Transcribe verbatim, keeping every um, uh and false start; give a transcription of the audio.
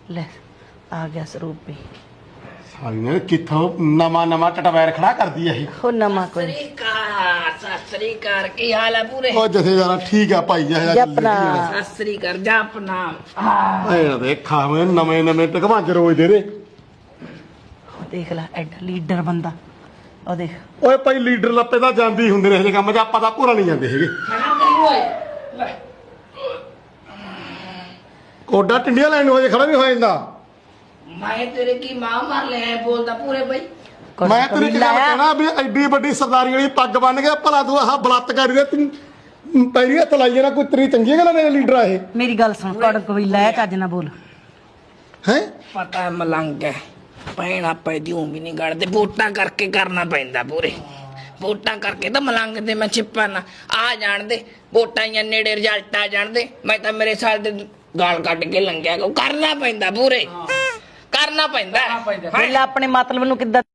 ਲੈ ਆ ਗਿਆ ਸਰੂਪ ਵੀ। ਸਾਲੀ ਨੇ ਕਿੱਥੋਂ ਨਵਾਂ ਨਵਾਂ ਟਟਵੈਰ ਖੜਾ ਕਰਦੀ ਆ ਇਹ। ਉਹ ਨਵਾਂ ਕੋਈ ਸਸਰੀਕਾਰ ਸਸਰੀਕਾਰ ਕੀ ਹਾਲ ਹੈ ਪੂਰੇ? ਉਹ ਜਥੇਦਾਰਾ ਠੀਕ ਆ ਭਾਈ ਜਿਹਾ ਜਪਨਾ ਸਸਰੀਕਾਰ ਜਪਨਾ। ਐ ਦੇਖਾ ਮੈਂ ਨਵੇਂ ਨਵੇਂ ਟਕਵਾਂਜ ਰੋਜ਼ ਦੇ ਦੇ। ਦੇਖ ਲੈ ਐਡਾ ਲੀਡਰ ਬੰਦਾ। ਉਹ ਦੇਖ ਓਏ ਭਾਈ ਲੀਡਰ ਲੱਪੇ ਤਾਂ ਜਾਂਦੀ ਹੁੰਦੇ ਨੇ ਇਹ ਕੰਮ 'ਚ, ਆਪਾਂ ਤਾਂ ਪੂਰਾ ਨਹੀਂ ਜਾਂਦੇ ਹੈਗੇ। ਕੋਡਾ ਟਿੰਡੀਆਂ ਲੈਣ ਨੂੰ ਹਜੇ ਖੜਾ ਨਹੀਂ ਹੋ ਜਾਂਦਾ। ਮੈਂ ਤੇਰੇ ਕੀ ਮਾਂ ਮਾਰ ਲਿਆ ਬੋਲਦਾ ਪੂਰੇ ਬਈ। ਮੈਂ ਤੇਰੀ ਗੱਲ ਕਹਿਣਾ ਵੀ ਐਡੀ ਵੱਡੀ ਸਰਦਾਰੀ ਵਾਲੀ ਪੱਗ ਬੰਨ ਗਿਆ, ਭਲਾ ਤੂੰ ਆਹ ਬਲਾਤਕਾਰੀ ਦੇ ਤੂੰ ਪੈਰੀਆਂ ਤਲਾਈ ਜਾਣਾ। ਕੋਈ ਤੇਰੀ ਚੰਗੀਆਂ ਗੱਲਾਂ ਨੇ ਲੀਡਰ ਆ ਇਹ। ਮੇਰੀ ਗੱਲ ਸੁਣ, ਕੜਕ ਵੀ ਲੈ ਚੱਜ ਨਾ ਬੋਲ। ਹੈ ਪਤਾ ਹੈ ਮਲੰਗ ਹੈ, ਪੈਣਾ ਪੈਦੀ ਉਹ ਵੀ ਨਹੀਂ ਗੜਦੇ। ਵੋਟਾਂ ਕਰਕੇ ਕਰਨਾ ਪੈਂਦਾ ਪੂਰੇ, ਵੋਟਾਂ ਕਰਕੇ ਤਾਂ ਮਲੰਗ ਦੇ ਮੈਂ ਛਿਪਾ ਨਾ ਆ ਜਾਣਦੇ। ਵੋਟਾਂ ਜਾਂ ਨੇੜੇ ਰਿਜ਼ਲਟ ਆ ਜਾਣਦੇ, ਮੈਂ ਤਾਂ ਮੇਰੇ ਸਾਲ ਦੇ ਗਾਲ ਕੱਢ ਕੇ ਲੰਘਿਆ। ਕਰਨਾ ਪੈਂਦਾ ਪੂਰੇ, ਕਰਨਾ ਪੈਂਦਾ। ਪਹਿਲਾਂ ਆਪਣੇ ਮਤਲਬ ਨੂੰ ਕਿੱਦਾਂ